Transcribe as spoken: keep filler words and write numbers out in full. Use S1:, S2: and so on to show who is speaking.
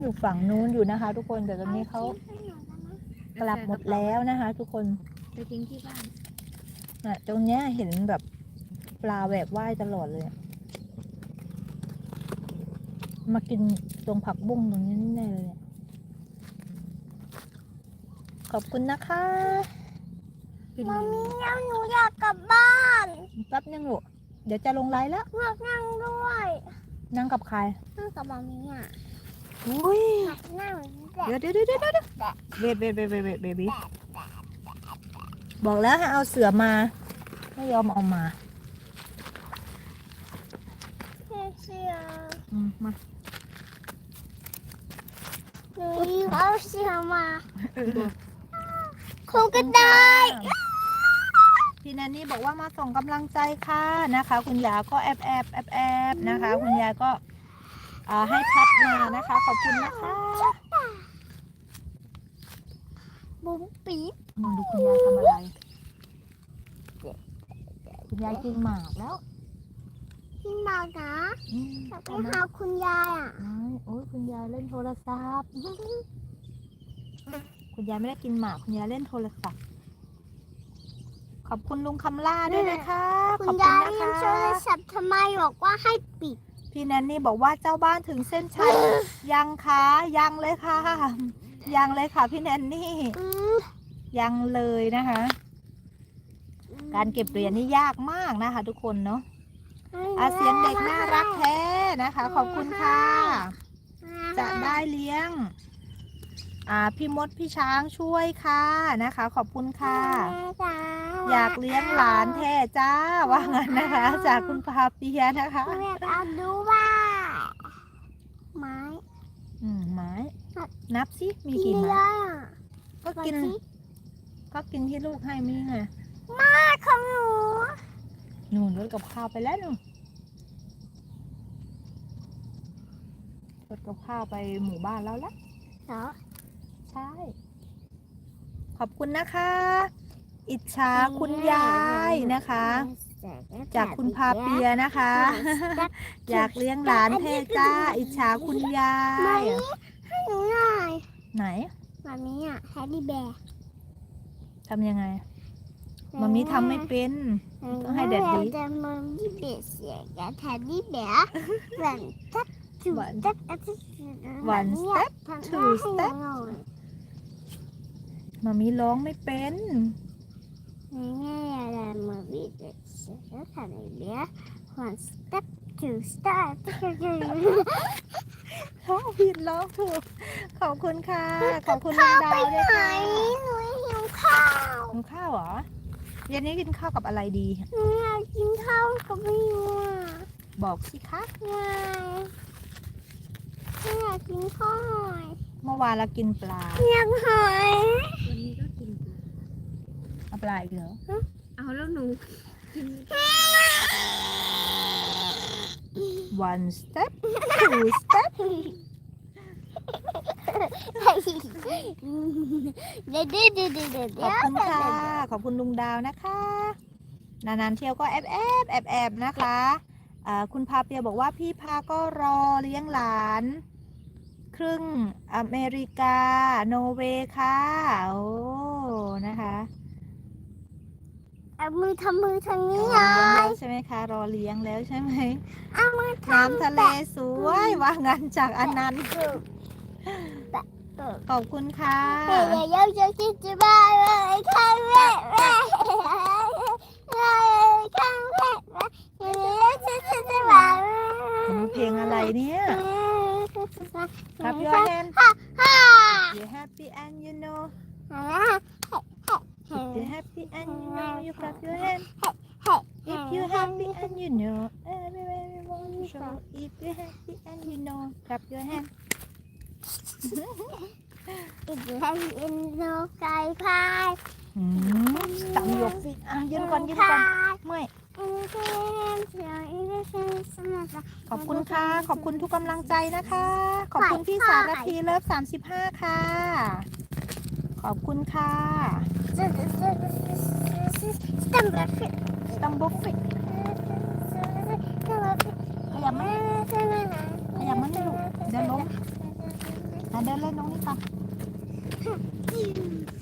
S1: อยู่ฝั่งนู้นอยู่นะคะ ทุกคนแต่ตอนนี้เขากลับหมดแล้วนะคะ ทุกคน
S2: ไปทิ้งที่บ้าน
S1: น่ะตรงเนี้ยเห็นแบบปลาแหวกว่ายตลอดเลยอะมากินตรงผักบุ้งตรงนี้แน่เลยเนี่ยขอบคุณนะคะ
S3: มามีแล้วหนูอยากกลับบ้าน
S1: แป๊บนึงลูกเดี๋ยวจะลงไลน์แล้ว
S3: อยากนั่งด้วย
S1: นั่งกับใคร
S3: นั่งกับมามีอ่ะ
S1: อุ้ย
S3: อยากนั่งแต่
S1: เดี๋ยวเดี๋ยวเดี๋ยวเดี๋ยวเดี๋ยวเบบีเบบีเบบีเบบีบอกแล้วให้เอาเสือมาไม่ยอมเอามา
S3: เสีย
S1: อืมมา
S3: หนูเอาเสียมาคงก็ได้
S1: พี่แนนนี่บอกว่ามาส่งกำลังใจค่ะนะคะ คุณยาก็แอบแอบแอบแอบนะคะ คุณยายก็อ่าให้พัดมานะคะ ขอบคุณนะคะ
S3: บุ้มปี๊บ
S1: อืมดูคุณยายทำอะไรคุณยายกินหมากแล้ว
S3: พี่มานะ
S1: อืม
S3: อยากไปหาคุณยายอ่ะ
S1: โอ้ยคุณยายเล่นโทรศัพท์ คุณยายไม่ได้กินหมากคุณยายเล่นโทรศัพท์ขอบคุณลุงคำล่าด้วยนะคะข
S3: คุ
S1: อบ
S3: ณ
S1: คุณ
S3: ยาย
S1: นะ
S3: เล่น
S1: คะ
S3: โทรศัพท์ทำไมบอกว่าให้ปิด
S1: พี่แนนนี่บอกว่าเจ้าบ้านถึงเส้นชัย ยังคะยังเลยค่ะ ยังเลยค่ะพี่แนนนี่
S3: อืม
S1: ยังเลยนะคะ การเก็บเหรียญนี่ยากมากนะคะ ทุกคนเนาะอาเสียงเด็กน่ารักแท้นะคะ ขอบคุณค่ะ จะได้เลี้ยง อ่าพี่มดพี่ช้างช่วยค่ะนะคะ ขอบคุณค่ะ อยากเลี้ยงหลานแท้จ้าว่างั้นนะคะ จากคุณพาเปียนะคะ
S3: อยากเอาดูว่าไม้
S1: อืมไม้ นับสิมี
S3: กิ
S1: กี่
S3: น
S1: ไม้
S3: ได้อ่ะ
S1: ก็กิน ก็กินที่ลูกให้มีไง
S3: มาของหนู
S1: หนูรถกับข้าวไปแล้วหนูรถกับข้าวไปหมู่บ้านแล้วละ
S3: เหรอ
S1: ใช่ ขอบคุณนะคะ อิจฉาคุณยายนะคะ จากคุณพาเปียนะคะ อยากเลี้ยงหลานแท้จ้า อิจฉาคุณยาย
S3: ให้หนูหน่อย
S1: ไหน
S3: แบบนี้อ่ะแฮดดี้แบร์
S1: ทำยังไงมามีทำไม่เป็น ต้องให้แดดดี
S3: จะมามีเบสเสียกับแฮดดี้แบร์วันทับทู
S1: One
S3: ทับ
S1: one step two step มามีร้องไม่เป็น
S3: ง่ายๆอะไรมามีเบสเสียกับแฮดดี้แบร์ one step two step
S1: ร้องผิดร้องถูก ขอบคุณค่ะ ขอบคุณน้องดาวด้วยค่ะ
S3: หนูหิวข้าว
S1: กินข้าวเหรอเย็นนี้กินข้าวกับอะไรดี
S3: หนูอยากกินข้าวกับพี่ยูอ่ะ
S1: บอกสิคะ
S3: ไงหนูอยากกินข้าวหอย
S1: เมื่อวานเรากินปลา
S3: อยากหอย
S2: วันนี้ก็กินปลา
S1: เอาปลาอีกเหรอ
S2: เอาแล้วหนูกิน
S1: one step two step
S3: เดี๋ยวเดี๋ยวเดี๋ยวเดี๋ยวเดี๋ยว
S1: ขอบคุณค่ะ ขอบคุณลุงดาวนะคะ นานๆเที่ยวก็แอบแอบแอบแอบนะคะอ่าคุณพาเปียบอกว่าพี่พาก็รอเลี้ยงหลาน ครึ่งอเมริกา โนเวย์ค่ะ โอ้ นะคะ
S3: เอามือทำมือทาง
S1: ร
S3: นี้
S1: อ
S3: เล
S1: เลี้ยงแล้
S3: ยว
S1: ใช่ไหมคะ รอเลี้ยงแล้วใช่ไหม
S3: เอามือ
S1: น้ำทะเลสวยว่างั้นจากอันนั้น ขอบคุณค่ะ
S3: เดี๋ยวเดี๋ยวจะคิดจะบ้าเลยข้างแม่แม่ข้างแม่เดี๋ยวจะจะจะบ้า
S1: เพลงอะไรเนี่ย Clap your hand
S3: ฮ่า
S1: You happy and you know If you happy and you know you clap your hand If you happy and you know everybody want to show If you happy and you know clap your hand
S3: If you happy and you know ไก่พาย
S1: อืมตั้งยกสิอ่ะยืนก่อนยืนก่อนเมื่อยขอบคุณค่ะ ขอบคุณทุกกำลังใจนะคะ ขอบคุณพี่สารพีเลิฟสามสิบห้าค่ะ ขอบคุณค่ะสตัมบุฟฟิกขยับมาขยับมาหนึ่งเดี๋ยวล้มอ่ะเดินเล่นตรงนี้ก่อน